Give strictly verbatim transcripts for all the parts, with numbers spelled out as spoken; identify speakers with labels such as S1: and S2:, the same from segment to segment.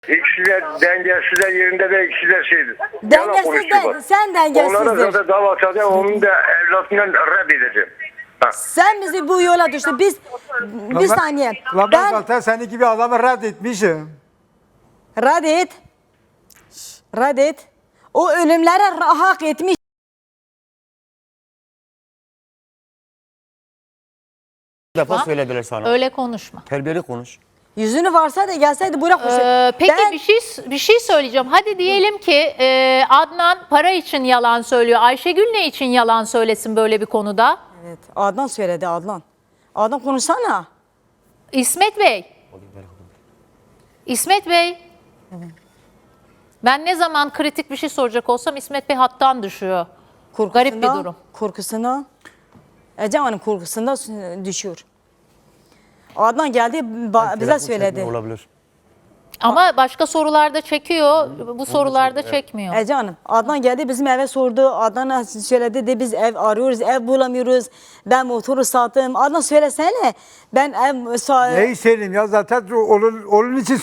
S1: İkisi de dengesiz de yerinde de ikisi de şeydir.
S2: Dengesiz de, sen dengelsizdir.
S1: Onlara zaten dava açacağım, onun da evlatından reddedeceğim. Ha.
S2: Sen bizi bu yola düştü. Biz bir saniye.
S3: Lan ben
S2: Ben
S3: zaten senin gibi adamı reddetmişim.
S2: reddet. Reddet. O ölümlere hak etmiş.
S4: Bir defa söylediler sana.
S5: Öyle konuşma.
S4: Terbiyeli konuş.
S2: Yüzünü varsa da gelseydi buraya koşu.
S5: Ee, peki
S2: Ben-
S5: bir şey bir şey söyleyeceğim. Hadi diyelim ki e, Adnan para için yalan söylüyor. Ayşegül ne için yalan söylesin böyle bir konuda?
S2: Evet, Adnan söyledi Adnan. Adnan konuşsana.
S5: İsmet Bey. İsmet Bey. Ben ne zaman kritik bir şey soracak olsam İsmet Bey hattan düşüyor. Garip bir durum.
S2: Korkusuna. Ecem Hanım korkusunda düşüyor. Adnan geldi ba- bize
S4: Telefon
S2: söyledi.
S4: çekmiyor Olabilir.
S5: Ama başka sorularda çekiyor, bu sorularda çekmiyor.
S2: Ece Hanım, Adnan geldi bizim eve sordu. Adnan söyledi de biz ev arıyoruz, ev bulamıyoruz. Ben motoru sattım. Adnan söylesene. Ben ev sa-
S3: Neyi söyleyeyim ya zaten onun, onun için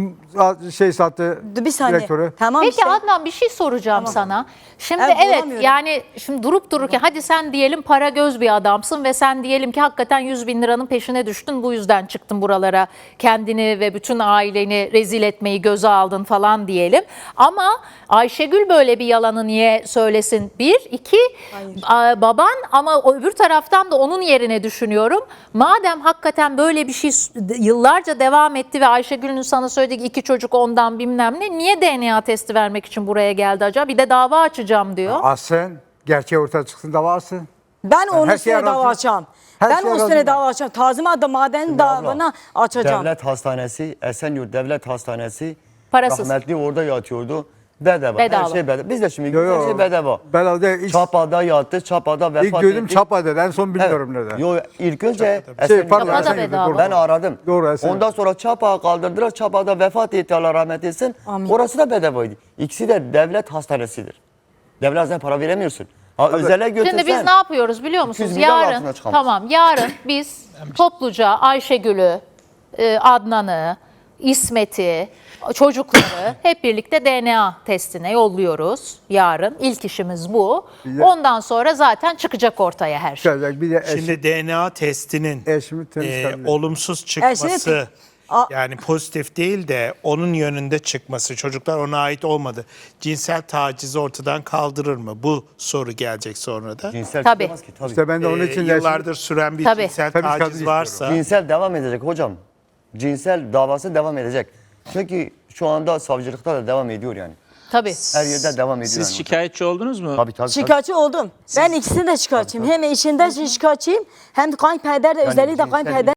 S3: s- şey sattı
S2: bir saniye.
S3: direktörü.
S2: Tamam
S5: Peki
S2: işte.
S5: Adnan bir şey soracağım sana. Şimdi
S2: Evet,
S5: evet
S2: bulamıyorum.
S5: yani şimdi durup dururken hadi sen diyelim para göz bir adamsın ve sen diyelim ki hakikaten yüz bin liranın peşine düştün. Bu yüzden çıktın buralara kendini ve bütün aileni rezil etmeyi göze aldın falan diyelim. Ama Ayşegül böyle bir yalanı niye söylesin? Bir, iki a, baban ama o öbür taraftan da onun yerine düşünüyorum. Madem hakikaten böyle bir şey yıllarca devam etti ve Ayşegül'ün sana söylediği iki çocuk ondan bilmem ne niye D N A testi vermek için buraya geldi acaba? Bir de dava açacağım diyor.
S3: Asın. Gerçeği ortaya çıksın dava asın.
S2: Ben onun
S3: her şeye
S2: üstüne dava
S3: razıyım.
S2: açacağım.
S3: Her
S2: Ben
S3: şeye
S2: onun üstüne
S3: razıyım ben.
S2: dava açacağım. Tazima da maden davana açacağım.
S4: Devlet Hastanesi, Esenyurt Devlet Hastanesi
S5: Parasız.
S4: rahmetli orada yatıyordu. Bedava.
S5: Bedava.
S4: Her şey bedava. Biz de şimdi
S3: Yo, yo.
S4: her şey bedava.
S3: Bedava ilk,
S4: Çapa'da yattı, Çapa'da vefat
S3: ilk duydum
S4: etti.
S3: Çapa'da. En son bilmiyorum
S4: Evet.
S3: nerede.
S4: Yo, ilk önce
S3: Şey,
S4: Esenyurt
S3: pardon,
S5: Çapa'da
S3: Esenyurt'ta,
S5: bedava.
S3: doğru.
S4: ben aradım.
S3: Doğru, Esenyurt.
S4: Ondan sonra Çapa'ya kaldırdılar. Çapa'da vefat etti Allah rahmet etsin.
S2: Amin.
S4: Orası da bedavaydı. İkisi de devlet hastanesidir. Devletten para veremiyorsun. Ha, özele götürsen.
S5: Şimdi biz ne yapıyoruz biliyor musunuz?
S4: iki yüz milyar
S5: Yarın
S4: altına çıkamaz.
S5: tamam yarın biz topluca Ayşegül'ü, e, Adnan'ı, İsmet'i, çocukları hep birlikte D N A testine yolluyoruz yarın. İlk işimiz bu.
S3: de-
S5: Ondan sonra zaten çıkacak ortaya her şey.
S3: Çıkacak. Bir de eşim,
S6: Şimdi D N A testinin
S3: eşimi temiz
S6: e,
S3: kalıyor.
S6: olumsuz çıkması
S2: Eşini- A-
S6: yani pozitif değil de onun yönünde çıkması çocuklar ona ait olmadı. Cinsel tacizi ortadan kaldırır mı? Bu soru gelecek sonra da.
S4: Cinsel
S5: Tabii.
S4: çıkamaz ki, tabii.
S3: İşte ben de onun
S6: E,
S3: için de
S6: yıllardır süren bir
S5: Tabii.
S6: cinsel
S3: Tabii kadın
S6: taciz
S3: istiyorum.
S6: varsa
S4: Cinsel devam edecek hocam. Cinsel davası devam edecek. Çünkü şu anda savcılıkta da devam ediyor yani.
S5: Tabii.
S4: Her yerde devam ediyor.
S7: Siz
S4: yani.
S7: şikayetçi oldunuz mu?
S4: Tabii tabii.
S2: Şikayetçi oldum. Ben ikisini de şikayetçiyim. Hem eşinden şikayetçiyim hem de kayınpeder de özellikle
S4: cinsel-
S2: kayınpeder.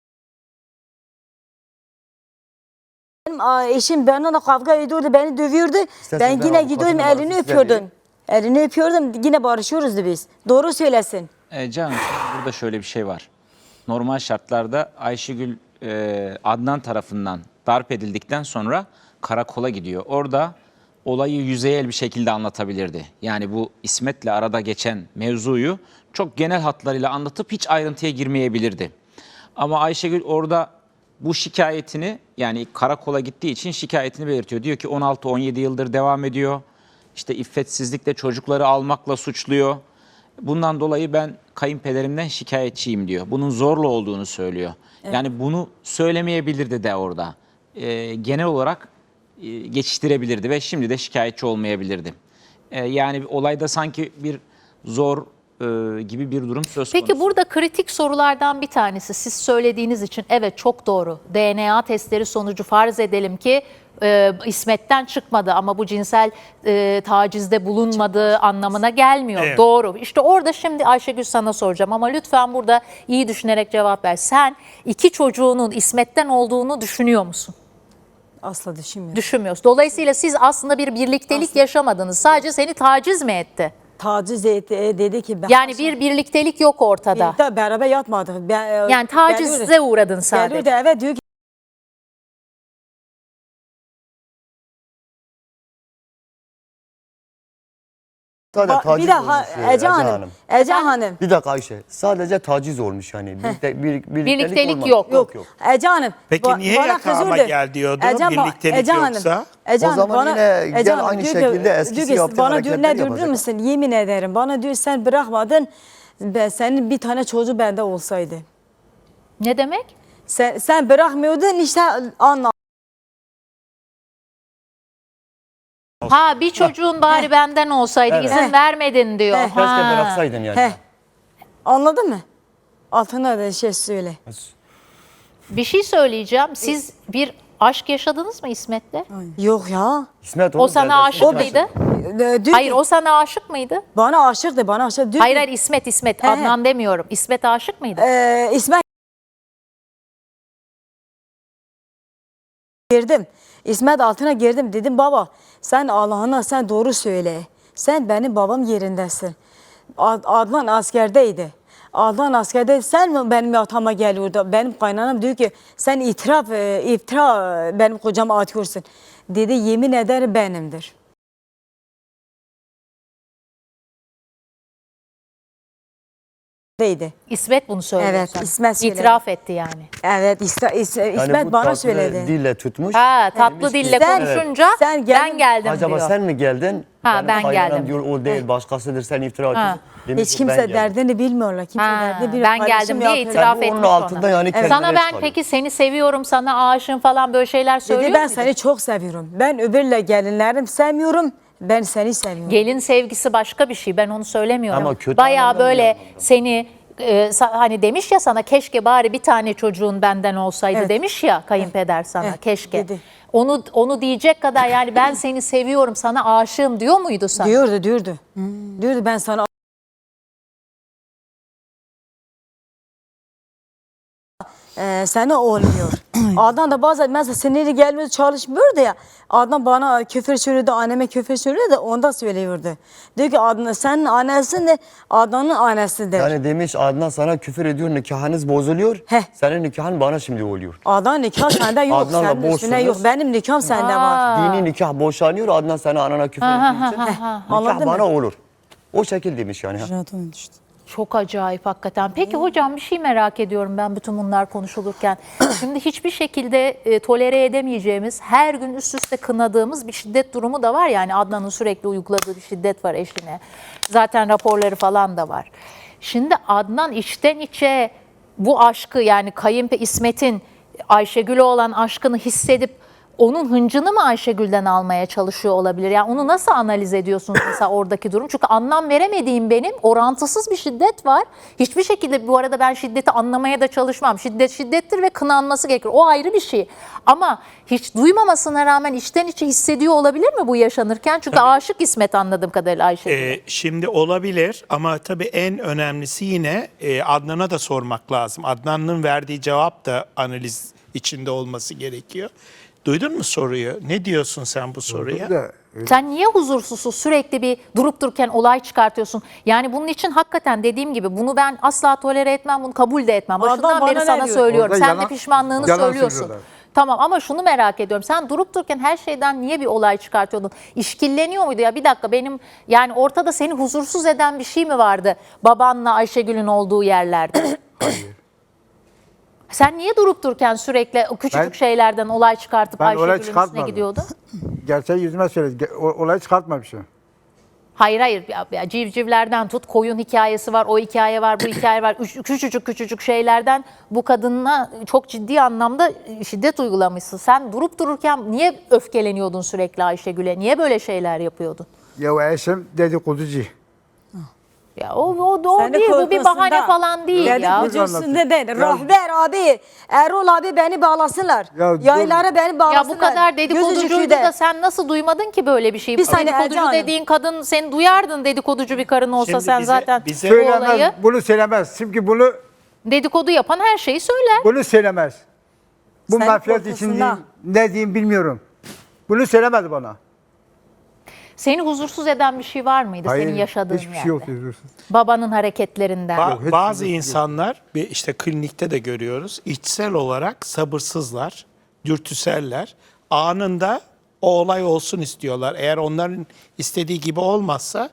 S2: Benim aa, eşim benimle kavga ediyordu, beni dövüyordu.
S4: İstersen
S2: ben
S4: ben
S2: yine
S4: avukatın
S2: gidiyordum,
S4: numarasını
S2: elini
S4: size
S2: öpüyordum.
S4: vereyim.
S2: Elini öpüyordum, yine barışıyoruz biz. Doğru söylesin.
S7: E, Can, burada şöyle bir şey var. Normal şartlarda Ayşegül e, Adnan tarafından darp edildikten sonra karakola gidiyor. Orada olayı yüzeyel bir şekilde anlatabilirdi. Yani bu İsmet'le arada geçen mevzuyu çok genel hatlarıyla anlatıp hiç ayrıntıya girmeyebilirdi. Ama Ayşegül orada bu şikayetini, yani karakola gittiği için şikayetini belirtiyor. Diyor ki on altı on yedi yıldır devam ediyor. İşte iffetsizlikle çocukları almakla suçluyor. Bundan dolayı ben kayınpederimden şikayetçiyim diyor. Bunun zorla olduğunu söylüyor. Yani bunu söylemeyebilirdi de orada. Ee, genel olarak e, geçiştirebilirdi ve şimdi de şikayetçi olmayabilirdi. Ee, yani olayda sanki bir zor e, gibi bir durum söz konusu.
S5: Peki burada kritik sorulardan bir tanesi siz söylediğiniz için evet çok doğru. D N A testleri sonucu farz edelim ki e, İsmet'ten çıkmadı ama bu cinsel e, tacizde bulunmadığı anlamına gelmiyor.
S6: Evet.
S5: Doğru. İşte orada şimdi Ayşegül sana soracağım ama lütfen burada iyi düşünerek cevap ver. Sen iki çocuğunun İsmet'ten olduğunu düşünüyor musun?
S2: Asla düşünmüyorum.
S5: Düşünmüyorsun. Dolayısıyla siz aslında bir birliktelik yaşamadınız. Sadece seni taciz mi etti?
S2: Taciz etti, e, dedi ki ben...
S5: Yani bir birliktelik yok ortada.
S2: Birlikte beraber yatmadık. Ben, e,
S5: Yani tacize
S2: geliyordu.
S5: uğradın sadece.
S2: Geliyordu eve diyor ki
S4: Sadece
S2: Ba-
S4: taciz
S2: bir dakika
S4: olmuş, e,
S2: Ece
S4: Ece
S2: Hanım.
S4: Hanım.
S2: Ece Hanım.
S4: Bir dakika Ayşe. Sadece taciz olmuş yani. Birlikte, bir, birliktelik,
S5: Birliktelik
S4: olmadı.
S5: yok.
S2: Yok. Ece Hanım.
S6: Peki
S2: ba-
S6: niye
S2: bana
S6: yatağıma
S2: kızıyordu.
S6: gel diyordu?
S2: Ece Hanım-
S6: Birliktelik
S2: Ece Hanım,
S6: yoksa?
S2: Ece
S4: O
S2: Hanım,
S4: zaman
S2: bana,
S4: yine
S2: Ece
S4: gel
S2: Hanım
S4: aynı
S2: diyor ki-
S4: şekilde eskisi
S2: diyor ki,
S4: yaptığı
S2: bana diyor
S4: hareketleri
S2: ne diyor biliyor
S4: yapacak.
S2: musun? Yemin ederim bana diyor sen bırakmadın. Ben, senin bir tane çocuğu bende olsaydı.
S5: Ne demek?
S2: Sen, sen bırakmıyordun işte anla.
S5: Ha bir çocuğun bari benden olsaydı
S4: Evet.
S5: izin
S2: Heh.
S5: vermedin diyor.
S2: Heh.
S4: Keşke
S5: Ha.
S4: bıraksaydın yani.
S2: He. Anladın mı? Altına da şey söyle.
S5: Bir şey söyleyeceğim. Siz bir aşk yaşadınız mı İsmet'le?
S2: Yok ya.
S4: İsmet
S5: O
S4: oğlum,
S5: sana
S4: kardeşim.
S5: aşık
S2: O
S5: mıydı?
S2: Ee, diyor
S5: Hayır
S2: ki,
S5: o sana aşık mıydı?
S2: bana aşıktı bana aşık. Diyor
S5: Hayır
S2: ki,
S5: hayır İsmet İsmet
S2: He, he.
S5: Adnan demiyorum. İsmet aşık mıydı?
S2: Ee, İsmet girdim. İsmet altına girdim. Dedim baba sen Allah'ına sen doğru söyle. Sen benim babam yerindesin. Ad- Adnan askerdeydi. Adnan askerde sen mi benim yatağıma geliyordu? Benim kaynanam diyor ki sen itiraf, e, iftira e, benim kocama atıyorsun. Dedi yemin ederim benimdir. Deydi.
S5: İsmet bunu söyledi.
S2: Evet,
S5: sana.
S2: İsmet söyledi.
S5: İtiraf etti yani.
S2: Evet İsmet, İsmet,
S4: Yani
S2: İsmet
S4: bu
S2: bana
S4: tatlı
S2: söyledi.
S4: dille tutmuş.
S5: Ha tatlı
S4: Demiş ki,
S5: dille
S2: Sen-
S5: konuşunca
S2: sen gel-
S5: ben geldim
S4: Acaba
S5: diyor.
S4: sen mi geldin?
S5: Ha,
S4: Benim
S5: ben
S4: kaynanam
S5: geldim.
S4: diyor o değil başkasıdır sen iftira atıyorsun. Demiş
S2: Hiç
S4: ki, ben
S2: kimse
S4: geldim.
S2: derdini bilmiyorlar. Kimse
S5: Ha,
S2: derdini bilmiyor.
S5: ben
S2: Paylaşım
S5: geldim diye
S2: yapıyorlar.
S5: itiraf
S4: Tabii onun
S5: etmiş
S4: altında
S5: ona.
S4: yani kendine
S5: Sana ben
S4: çıkarıyor.
S5: peki seni seviyorum, sana aşığım falan böyle şeyler söylüyor
S2: Dedi ben
S5: muydu?
S2: seni çok seviyorum. Ben öbürle gelinlerim sevmiyorum. Ben seni seviyorum.
S5: Gelin sevgisi başka bir şey. Ben onu söylemiyorum.
S4: Ama kötü
S5: Bayağı
S4: anlamda
S5: böyle
S4: bir anlamda.
S5: seni e, sa- hani demiş ya sana keşke bari bir tane çocuğun benden olsaydı
S2: Evet.
S5: demiş ya kayınpeder sana
S2: Evet,
S5: keşke.
S2: dedi.
S5: Onu onu diyecek kadar yani ben seni seviyorum, sana aşığım diyor muydu sana?
S2: Diyordu diyordu. Diyordu ben sana Ee, sana olmuyor. Adnan da bazen mesela siniri gelmiyor çalışmıyordu ya. Adnan bana küfür söylüyordu, anneme küfür söylüyordu da ondan söylüyordu. Diyor ki Adnan senin annesin de Adnan'ın annesidir.
S4: Yani demiş Adnan sana küfür ediyor nikahınız bozuluyor.
S2: Heh.
S4: Senin nikahın bana şimdi oluyor.
S2: Adnan nikah sende yok,
S4: Adnan'la
S2: senin üstüne
S4: boşsunuz.
S2: yok. Benim nikahım sende var.
S4: Dini nikah boşanıyor Adnan sana anana küfür ettiği için. Nikah
S2: Anladın
S4: bana
S2: mı?
S4: olur. O şekil demiş yani.
S5: Çok acayip hakikaten. Peki hocam bir şey merak ediyorum ben bütün bunlar konuşulurken. Şimdi hiçbir şekilde e, tolere edemeyeceğimiz, her gün üst üste kınadığımız bir şiddet durumu da var. Yani Adnan'ın sürekli uyguladığı bir şiddet var eşine. Zaten raporları falan da var. Şimdi Adnan içten içe bu aşkı yani kayınpe İsmet'in Ayşegül'e olan aşkını hissedip onun hıncını mı Ayşegül'den almaya çalışıyor olabilir? Yani onu nasıl analiz ediyorsunuz mesela oradaki durum? Çünkü anlam veremediğim benim orantısız bir şiddet var. Hiçbir şekilde bu arada ben şiddeti anlamaya da çalışmam. Şiddet şiddettir ve kınanması gerekir. O ayrı bir şey. Ama hiç duymamasına rağmen içten içe hissediyor olabilir mi bu yaşanırken? Çünkü aşık İsmet anladığım kadarıyla Ayşegül'e.
S6: Ee, şimdi olabilir ama tabii en önemlisi yine e, Adnan'a da sormak lazım. Adnan'ın verdiği cevap da analiz içinde olması gerekiyor. Duydun mu soruyu? Ne diyorsun sen bu soruya?
S3: Da,
S5: Sen niye huzursuzsun sürekli bir durup dururken olay çıkartıyorsun? Yani bunun için hakikaten dediğim gibi bunu ben asla tolere etmem, bunu kabul de etmem.
S2: Adam
S5: Başından
S2: bana
S5: beri
S2: ne
S5: sana
S2: diyor?
S5: söylüyorum.
S3: Orada
S5: Sen
S3: yalan-
S5: de pişmanlığını
S3: yalan
S5: söylüyorsun.
S3: söylüyorlar.
S5: Tamam ama şunu merak ediyorum. Sen durup dururken her şeyden niye bir olay çıkartıyordun? İşkilleniyor muydu ya? Bir dakika benim yani ortada seni huzursuz eden bir şey mi vardı? Babanla Ayşegül'ün olduğu yerlerde. Sen niye durup dururken sürekli o küçücük
S3: Ben-
S5: şeylerden olay çıkartıp
S3: Ben olay
S5: Ayşegül'ün üstüne
S3: çıkartmadım.
S5: gidiyordun?
S3: gerçeği yüzüme söyledi. Ge- o- Olay çıkartmamışım.
S5: Hayır hayır ya, ya civcivlerden tut koyun hikayesi var, o hikaye var, bu hikaye var. Üç- küçücük küçücük şeylerden bu kadına çok ciddi anlamda şiddet uygulamışsın. Sen durup dururken niye öfkeleniyordun sürekli Ayşegül'e? Niye böyle şeyler yapıyordun?
S3: Ya o eşim dedikoducu.
S5: Ya o, o, o
S2: Seni
S5: değil, bu bir
S2: korkusunda-
S5: bahane falan değil ya.
S2: Dedikoducusunda değil.
S3: Ya-
S2: Rahber abi, Erol abi beni bağlasınlar.
S3: Ya dur.
S2: Yayları beni
S5: Ya
S2: bağlasınlar.
S5: bu kadar dedikoducuydu
S2: Gözücükü
S5: da sen nasıl duymadın ki böyle bir şeyi?
S2: Bir saniye Ece
S5: Dedikoducu
S2: Hanım.
S5: dediğin kadın sen duyardın dedikoducu bir karın olsa
S6: Şimdi
S5: sen
S6: bize-
S5: zaten
S6: bize-
S5: bu
S3: Söylemez.
S5: olayı
S3: Bunu söylemez. Çünkü bunu
S5: dedikodu yapan her şeyi söyler.
S3: bunu söylemez. Bu
S2: Senin
S3: mafyat için
S2: korkusunda.
S3: diyeyim, ne diyeyim bilmiyorum. Bunu söylemedi bana.
S5: Seni huzursuz eden bir şey var mıydı senin yaşadığın
S3: hiçbir
S5: yerde?
S3: şey yok. huzursuz.
S5: Babanın hareketlerinden.
S6: Ba-
S3: hiç
S6: bazı
S3: yok.
S6: insanlar bir işte klinikte de görüyoruz. İçsel olarak sabırsızlar, dürtüseller. Anında o olay olsun istiyorlar. Eğer onların istediği gibi olmazsa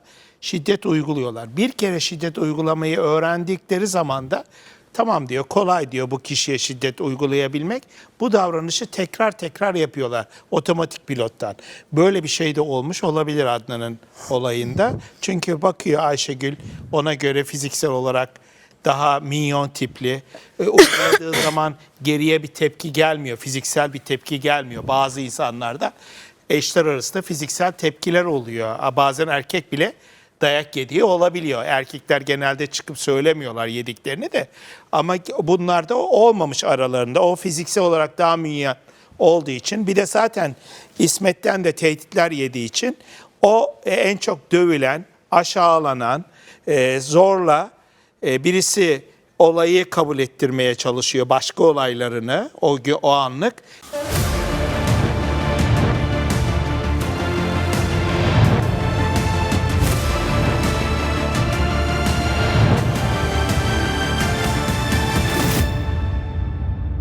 S6: şiddet uyguluyorlar. Bir kere şiddet uygulamayı öğrendikleri zaman da tamam diyor, kolay diyor bu kişiye şiddet uygulayabilmek. Bu davranışı tekrar tekrar yapıyorlar otomatik pilottan. Böyle bir şey de olmuş olabilir Adnan'ın olayında. Çünkü bakıyor Ayşegül ona göre fiziksel olarak daha minyon tipli. E, uyguladığı zaman geriye bir tepki gelmiyor, fiziksel bir tepki gelmiyor. Bazı insanlarda eşler arasında fiziksel tepkiler oluyor. Bazen erkek bile dayak yediği olabiliyor. Erkekler genelde çıkıp söylemiyorlar yediklerini de. Ama bunlar da olmamış aralarında. O fiziksel olarak daha minyon olduğu için. Bir de zaten İsmet'ten de tehditler yediği için o en çok dövülen, aşağılanan, zorla birisi olayı kabul ettirmeye çalışıyor, başka olaylarını o, o anlık.